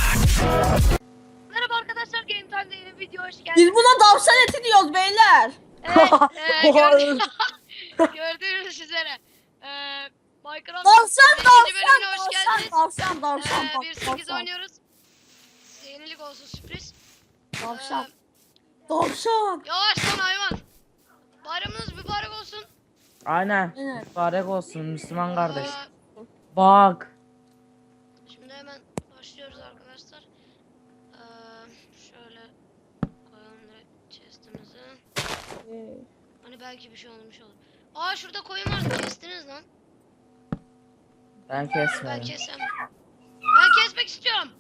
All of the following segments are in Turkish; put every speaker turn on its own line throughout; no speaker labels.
Merhaba arkadaşlar, Game Time'da yeni bir video hoş geldiniz.
Biz buna tavşan eti diyoruz beyler.
Evet, gördüğünüz üzere Minecraft yeni bölümüne hoş geldiniz.
Tavşan.
1.8 oynuyoruz. Yenilik olsun, sürpriz.
Tavşan.
Yavaş lan hayvan. Bayramınız mübarek olsun.
Aynen.
Evet.
Mübarek olsun Müslüman kardeş.
Ee,
Bak.
Şimdi hemen başlıyoruz arkadaşlar. Şöyle koyalım direkt chest'imizi. Hani belki bir şey olmuş olur. Aa, şurada koyun vardı, kestiniz lan.
Ben
Ben
kesmedim.
kesem. Ben kesmek istiyorum.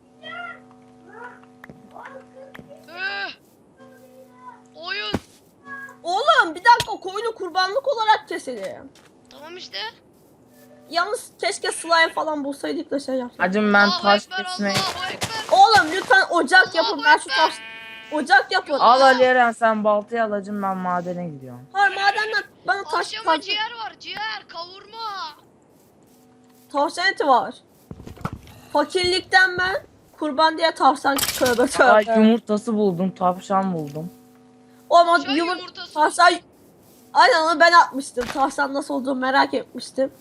Oyun.
Oğlum bir dakika, koyunu kurbanlık olarak keselim.
Tamam işte.
Yalnız keşke slime falan bulsaydık da şey yapsaydık.
Hacım ben
Allahu
taş
Ekber,
kesmeyi...
Allahu Ekber.
Oğlum lütfen ocak yapın.
Allahu
Ben şu
Ekber.
taş... Ocak yapın.
Al Ali Eren, sen baltayı al hacım, ben madene gidiyorum.
Hayır, madenden bana
Akşama ciğer var, ciğer, kavurma.
tavşan eti var. Fakirlikten ben kurban diye tavşan tövbe
Ay,
tövbe.
yumurtası buldum, tavşan buldum.
Ama
Tavşan yumurtası.
tavşan... Aynen, onu ben atmıştım. Tavşan nasıl olduğunu merak etmiştim.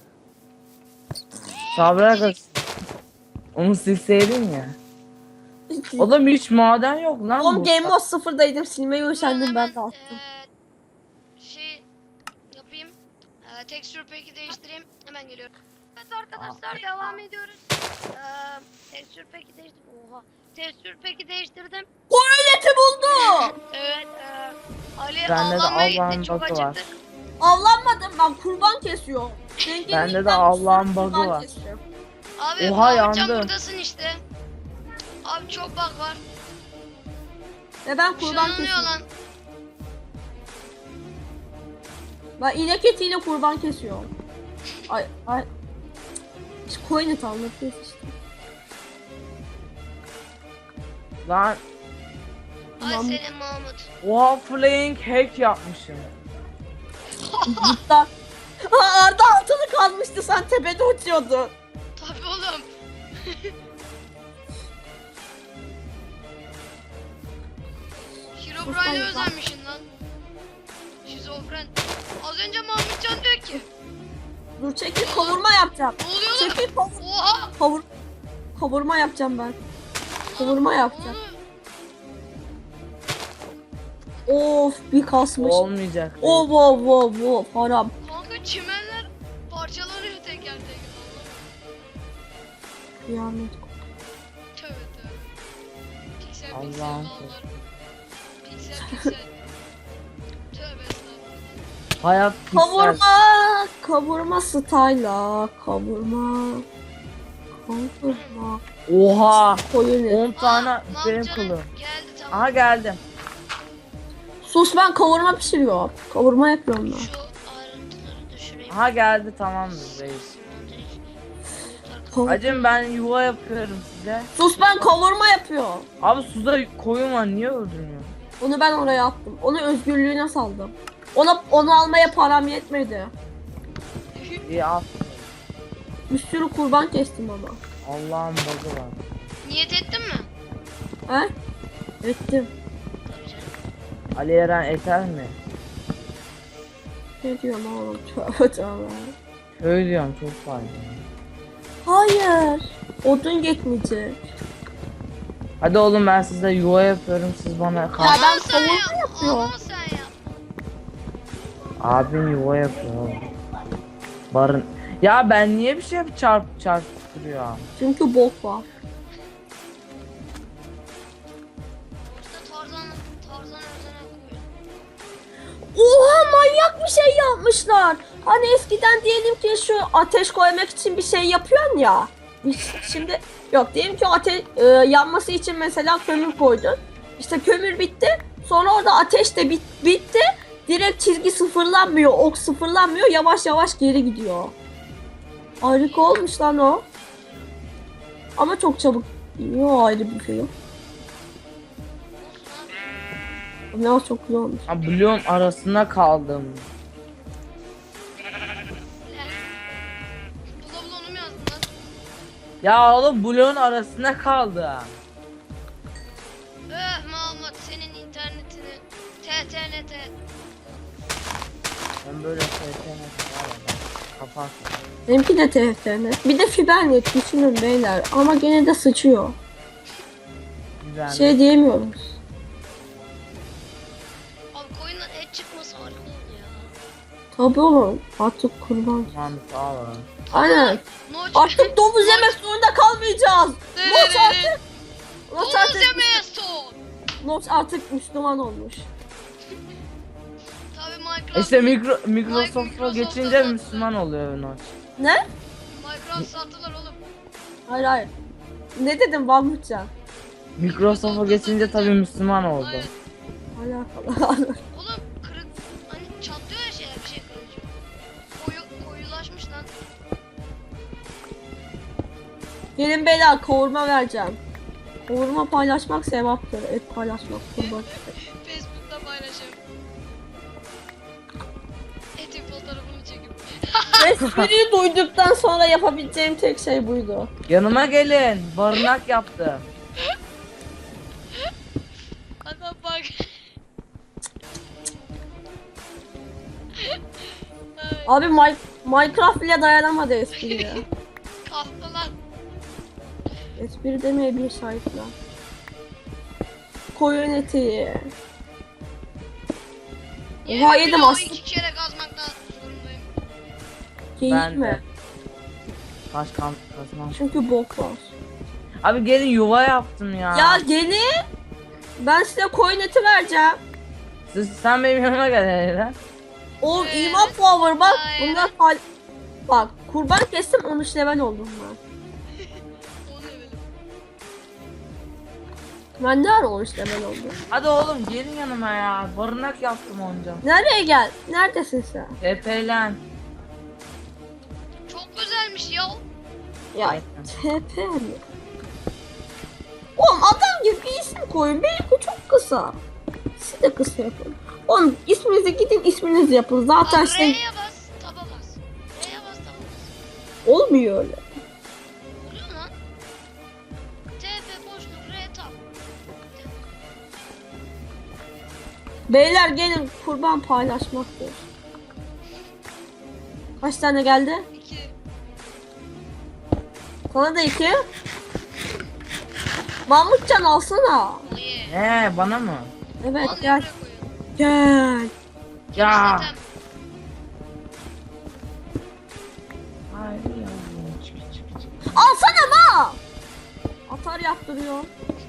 Sabra onu silseydin ya. Oğlum hiç maden yok lan
Oğlum
bu.
Game Mode 0'daydım. Silmeyi üşendim, ben de attım.
Şey yapayım. Texture pack'i değiştireyim. Hemen geliyorum. Evet arkadaşlar, devam ediyoruz. Texture pack'i değiştirdim. Oha. Texture pack'i değiştirdim.
Koyun eti buldu.
Evet. Ali
Bende de
avlanmaya gitti.
Allah'ın
Çok
bug'ı var.
acıktık.
Avlanmadım, ben kurban kesiyorum.
Bende de Allah'ın bug'ı
kurban
var.
kesiyorum.
Abi
Oha,
Mahmutcan
yandı.
buradasın işte. Abi çok bug var.
Ve ben kurban
Işınlanıyor
kesiyorum.
lan.
Ben inek etiyle kurban kesiyorum. Ay. İşte koyun eti anlatıyoruz işte.
Lan
Ay
Mahmut.
senin Mahmut.
oha, flying hack yapmışım.
Cidden. Ha, Arda altılı kalmıştı, sen tepede uçuyordun.
Tabii oğlum. Herobrine'e özenmişsin lan. Şizofren. Az önce Mahmutcan diyor ki.
Dur çekil, kavurma yapacağım.
Ne oluyor lan?
Çekil
Oha.
kavurma yapacağım ben. Kavurma yapacağım. Of, bir kasmış.
Olmayacak.
Of haram.
Kanka çimenler parçalanıyor teker teker.
Kıyamet.
Tövbe tövbe. Piksel
Allah'ım.
dağlar. Piksel. Tövbe estağfurullah.
Hayat piksel.
Kavurma style'a, kavurma.
Oha.
Koyun eti.
10 tane
Mahmutcan'ın
benim kılım.
geldi tamam.
Aha geldim.
Sus, ben kavurma pişiriyorum. Kavurma yapıyorum ben.
Şu ayrıntıları düşüreyim.
Aha geldi, tamamdır reis. Hacım ben yuva yapıyorum size.
Sus, ben kavurma yapıyorum.
Abi suda koyun var, niye öldürmüyor?
Onu ben oraya attım. Onu özgürlüğüne saldım. Onu almaya param yetmedi.
İyi al.
Bir sürü kurban kestim ama.
Allah'ın bug'ı var.
Niyet ettin mi?
He? Ettim.
Tabii canım.
Ali Eren eter mi?
Ne diyorum oğlum? Tövbe tövbe.
Öyle diyorum, çok faydalı.
Hayır. Odun yetmeyecek.
Hadi oğlum, ben size yuva yapıyorum, siz bana
Ya
kal.
ben
Ama sen
kavurma
yap.
yapıyorum.
Ama sen yap.
Abim yuva yapıyor oğlum. Barın. Ya ben niye bir şey çarp duruyor?
Çünkü bok var.
Burada Tarzan özene koyuyor.
Oha, manyak bir şey yapmışlar. Hani eskiden diyelim ki şu ateş koymak için bir şey yapıyorsun ya. Şimdi yok, diyelim ki yanması için mesela kömür koydun. İşte kömür bitti. Sonra orada ateş de bitti. Direkt çizgi sıfırlanmıyor, ok sıfırlanmıyor. Yavaş yavaş geri gidiyor. Harika olmuş lan o. Ama çok çabuk. Yok, ayrı bir şey yok. Ne o, çok güzel olmuş.
Ha, bloğun arasında kaldım.
Bula bula onu mu yazdın lan?
Ya oğlum bloğun arasında kaldı.
Mahmut senin internetini TTNT.
Ben böyle internet var ya. Kapat.
Benimki de TFT'net. Bir de fibernet düşünün beyler. Ama gene de sıçıyor.
Güzel.
Şey diyemiyoruz.
Abi koyundan et çıkması harika oldu ya.
Tabii oğlum. Artık kurban.
Tamam sağ ol.
Aynen.
Noç.
Artık domuz yemek zorunda kalmayacağız. Noç artık. Noç
Domuz
artık.
yemeğe son.
Noç artık Müslüman olmuş.
Tabii Minecraft.
İşte Microsoft'a
Microsoft'a
geçince
sattı.
Müslüman oluyor Noç.
Ne?
Minecraft sattılar oğlum.
Hayır hayır. Ne dedim Mahmutcan?
Microsoft'a geçince tabii Müslüman oldu.
Hayır.
Alakalı.
Oğlum kırık hani çatlıyor ya şeyler bir şey kırınca. Koyulaşmış lan.
Gelin beyler kavurma vereceğim. Kavurma paylaşmak sevaptır. Et paylaşmak kurban.
Facebook'ta paylaşıyorum. Etin fotoğrafını çekip.
Espriyi duyduktan sonra yapabileceğim tek şey buydu.
Yanıma gelin. Barınak yaptım.
Adam bak. Ay,
Abi Minecraft bile dayanamadı espriye.
kahpe lan.
Espri demeye bir sahipler. Koyun eti. Oha yedim
bloğu
aslında.
2 kere kazmaktan zorundayım.
Geyik
Ben de.
mi?
Taş kazmam.
Çünkü bok var.
Abi gelin yuva yaptım ya.
Ya gelin. Ben size koyun eti vereceğim.
Sen benim yanıma gel hele.
O
Evet.
iman power bak.
Hayır.
Bunlar bak kurban kestim 13 level oldum ben.
O ne böyle?
Ben ne ara 13 level oldum?
Hadi oğlum gelin yanıma ya. Barınak yaptım onca.
Nereye gel? Neredesin sen?
TP'len.
Çok güzelmiş ya.
Ya
Aynen.
TP mi? Oğlum adam gibi bir isim koyun. Benimki çok kısa. Siz de kısa yapın. Oğlum isminizi gidin isminizi yapın. Zaten
Abi
şey
R'ye bas, taba bas. R'ye bas, taba bas.
olmuyor öyle.
Oluyor lan. TP boşluk R tab.
Beyler gelin kurban paylaşmaktır. Kaç tane geldi?
2.
Sana da 2. Mahmutcan alsana.
Oye.
Bana mı?
Evet
Al
gel.
buraya koyun.
Gel.
Ya.
Zaten
Hayır ya. Çık.
Alsana ma. Atar yaptırıyor.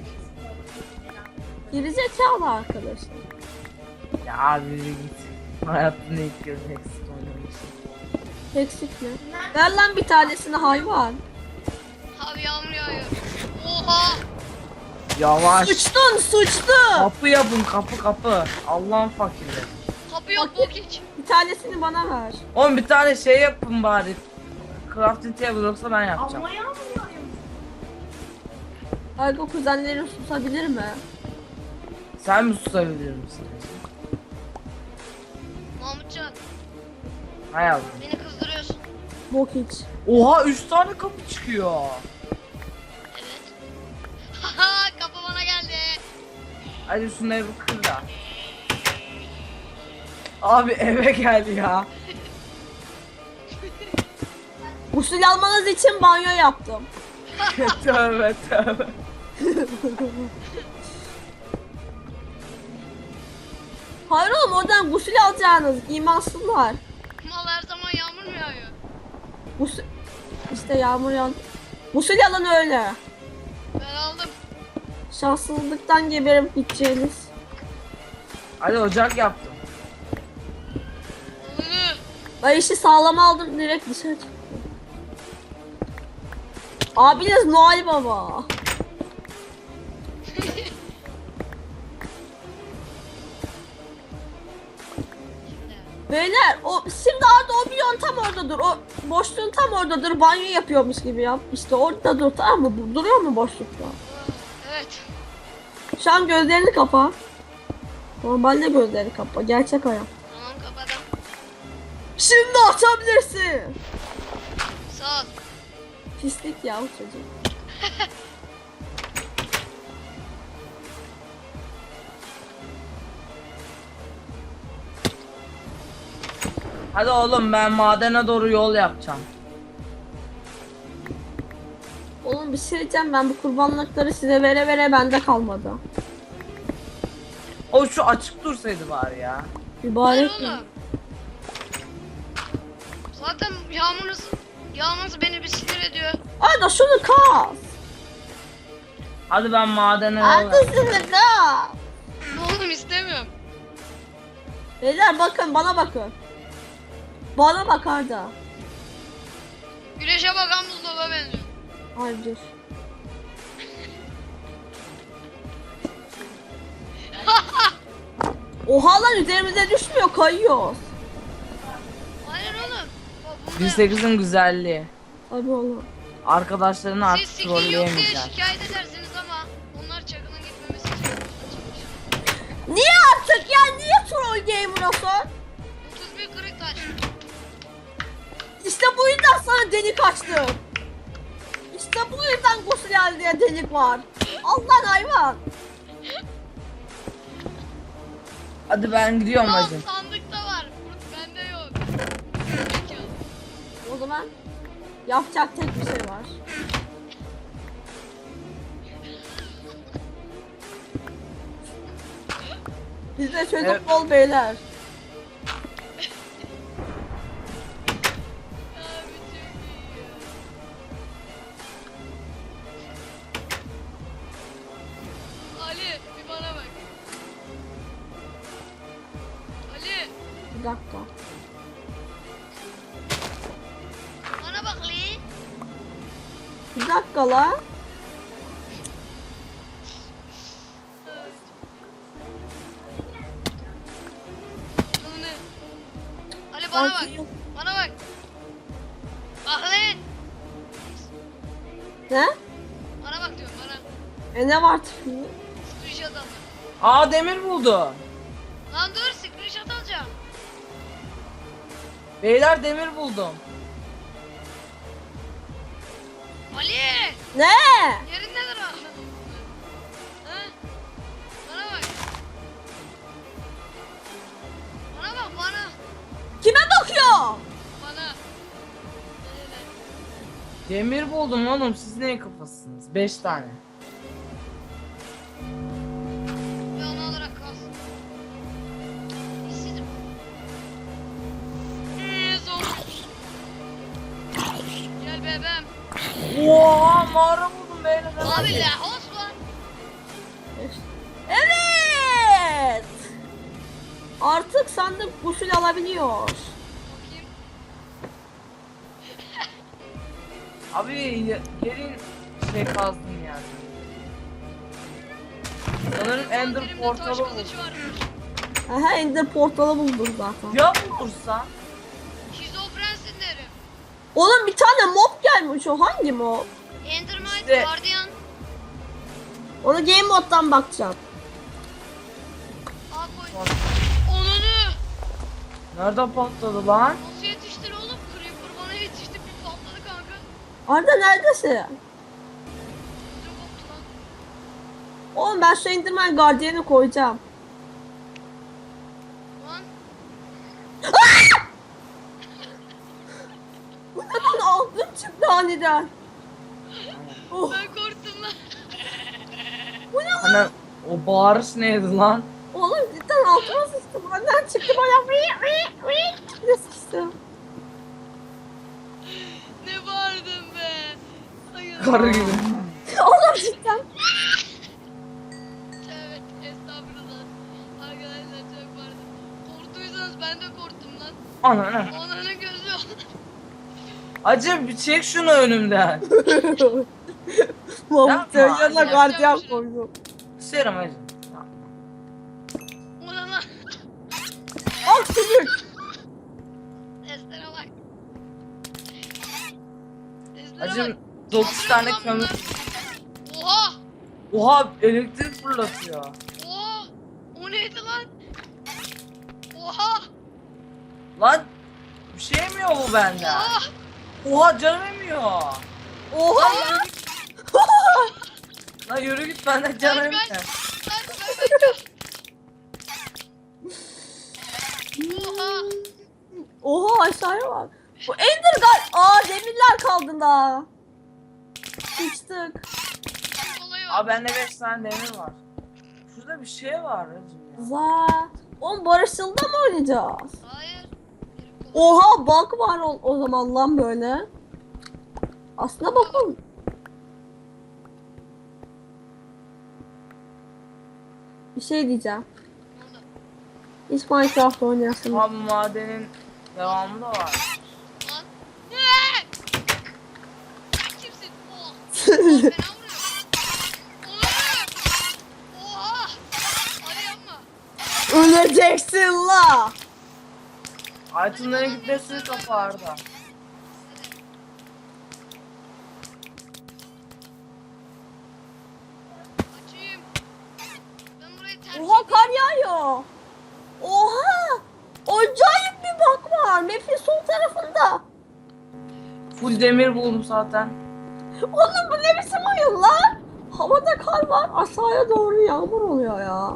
Gerizekalı arkadaşlar.
Ya yürü git. Hayatımda ilk kez Hexit oynamışım.
Eksik mi? Ver lan bir tanesini hayvan.
abi yağmur yağıyor. Oha.
Yavaş.
Sıçtın.
Kapı yapın kapı. Allah'ın fakirleri.
Kapı yok
Bak-
bok hiç.
Bir tanesini bana ver.
Oğlum bir tane şey yapın bari. Crafting table yoksa ben yapacağım.
Argo kuzenlerin susabilir mi?
Sen mi susabilir misin?
Mahmutcan
Hay Allah.
beni kızdırıyorsun.
Bok hiç.
Oha 3 tane kapı çıkıyor.
Evet. Haha kapı bana geldi.
Hadi şunları bir kır da. Abi eve gel ya.
Gusül almanız için banyo yaptım.
Tövbe.
Hayır oğlum oradan gusül alacağınız imansızlar.
Mal her zaman yağmur mu yağıyor?
Gusül... İşte yağmur yağdı. Gusül alın öyle.
Ben aldım.
Şanssızlıktan geberip gideceğiniz.
Hadi ocak yaptım.
Onu.
Ben işi sağlam aldım direkt dışarı çıktım. Abiniz Noel Baba. Beyler o şimdi Arda o milyon tam oradadır. O boşluğun tam oradadır. Banyo yapıyormuş gibi yap. İşte orada dur tamam mı? Duruyor mu boşlukta?
Evet.
Şu an gözlerini kapa. Normalde gözlerini kapa. Gerçek hayat.
Tamam kapadım.
Şimdi açabilirsin.
Sağ ol.
Pislik ya o çocuk.
Hadi oğlum ben madene doğru yol yapacağım.
Oğlum bir şey diyeceğim, ben bu kurbanlıkları size vere vere bende kalmadı.
O şu açık dursaydı bari ya.
Hayır
Mübarek mi?
oğlum. Zaten yağmurunuz beni bir sinir ediyor.
Hadi şunu kas.
Hadi ben madene yol
Hadi
yapacağım.
şunu kas.
Oğlum istemiyorum.
Beyler bakın, bana bakın. Bana bak Arda.
Güneşe bakan buzdolaba benziyor.
Hayır dur. Oha lan, üzerimize düşmüyor, kayıyoruz.
Hayır oğlum. Bak burada
1.8'in güzelliği.
Abi oğlum.
Arkadaşlarını
siz
artık
skin yok diye
trolleyemeyeceksin.
şikayet edersiniz ama onlar çakılın gitmemesi için yapmışlar.
Niye artık ya? Niye troll gamer olsun?
31 kırık taş.
İşte bu yüzden sana delik açtım. İşte bu yüzden gusül diye delik var. Allah'ın hayvan.
Hadi ben gidiyorum
Tamam
hacım.
sandıkta var. Bende yok.
O zaman yapacak tek bir şey var. Bizde çocuk
Evet.
bol beyler.
Abi çok iyi ya. Ali bir bana bak. Ali
Bir dakika.
bana bak Li.
Bir dakika la.
Bu ne? Ali bana bak. Bana bak. Bak lan.
Ne?
Bana bak diyorum bana.
Ne var tıfını?
Screenshot al.
Aa demir buldu.
Lan dur screenshot alacağım.
Beyler demir buldum.
Ali!
Ne?
Yerin nedir o? Ha? Bana bak. Bana bak bana.
Kime bakıyor?
Bana. Öyle.
Demir buldum oğlum, siz neyin kafasısınız? 5 tane.
Bir ana olarak kalsın. İşsizim. Zor. Gel bebeğim.
Oha mağara buldum beyler.
Abi la Osman.
Evet. Artık sandık gusül alabiliyor.
Bakayım.
Abi gelin şey kazdım yani. Sanırım Ender
Elimde
portalı
taş
buldum.
kılıç varmış.
Aha, Ender portalı buldum zaten.
Ya bulursa?
Şizofrensin derim.
Oğlum bir tane mob gelmiş, o hangi mob?
Endermite,
İşte-
Guardian.
Onu game moddan bakacağım.
Al koy. Onunu.
Nerede patladı lan?
Nasıl yetiştir oğlum? Creeper bana yetişti bir patladı kanka.
Arda neredesin?
Çok koptu lan.
Oğlum ben şu Enderman Guardian'ı koyacağım.
Lan.
Bu ne lan, ağzım çıktı aniden. Oh,
Ben korktum lan.
bu ne lan?
Hani o bağırış neydi lan?
Oğlum cidden altıma sıçtı. Benden çıktı bana. Ne sıçtı?
Ne bağırdın be. Ay
Karı gibi.
Oğlum cidden.
Evet estağfurullah. Arkadaşlar çok pardon. Korktuysanız ben de korktum lan.
Ananı.
Onların gözü
Acım bir çek şunu önümden.
Mahmut yanına
yapacağım
gardiyan
bir şey.
koydum.
Serum acım.
Ona lan.
Al sümük.
Seslere bak. Seslere
Acım
bak.
9 tane
Saldırıyor lan
kömür.
bunlar. Oha.
Oha elektrik fırlatıyor.
Oha. O neydi lan? Oha.
Lan bir şey yemiyor bu benden.
Oha.
Oha canım yemiyor.
Oha!
Lan yürü git benden canım
Kaç,
yok.
kaç. Kaç. Oha.
Oha aşağıya bak. Bu Ender demirler kaldı daha. Sıçtık.
Olayı var.
Abi bende 5 tane demir var. Şurada bir şey var hacım ya.
Za. Oğlum barışılda mı oynayacağız?
Hayır.
Oha bak var o zaman lan böyle. Aslına bakın. Bir şey diyeceğim.
Ne oldu?
Hiç Minecraft oynayasın.
Abi madenin devamı da var.
Lan. Sen kimsin? Oh. Fena vuruyor. Oha. Hadi yapma.
Öleceksin la.
Itemlara gitmesini kafa Arda.
Açayım. Ben burayı terk
Oha kar yağıyor. Oha. Acayip bir bak var. Map'in sol tarafında.
Full demir buldum zaten.
Oğlum bu ne biçim oyun lan? Havada kar var. Aşağıya doğru yağmur oluyor ya.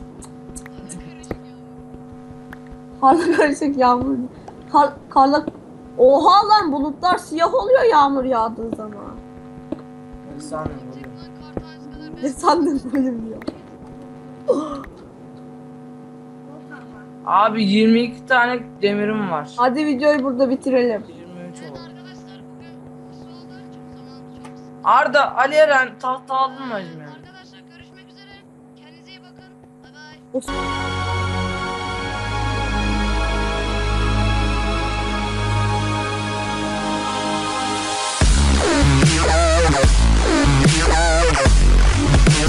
Karla karışık yağmur. Karla... Oha lan bulutlar siyah oluyor yağmur yağdığı zaman.
Ne sanırım
Tek
oluyor.
lan kar tanesi kadar
Ne
ben.
sandın bölüm diyor.
Abi 22 tane demirim var.
Hadi videoyu burada bitirelim.
23
Evet
oldu.
arkadaşlar bugün nasıl oldu? Çok zaman çok sıkı.
Arda, Ali Eren tahta aldın mı hacım ya?
Arkadaşlar görüşmek üzere. Kendinize iyi bakın. Bay bay.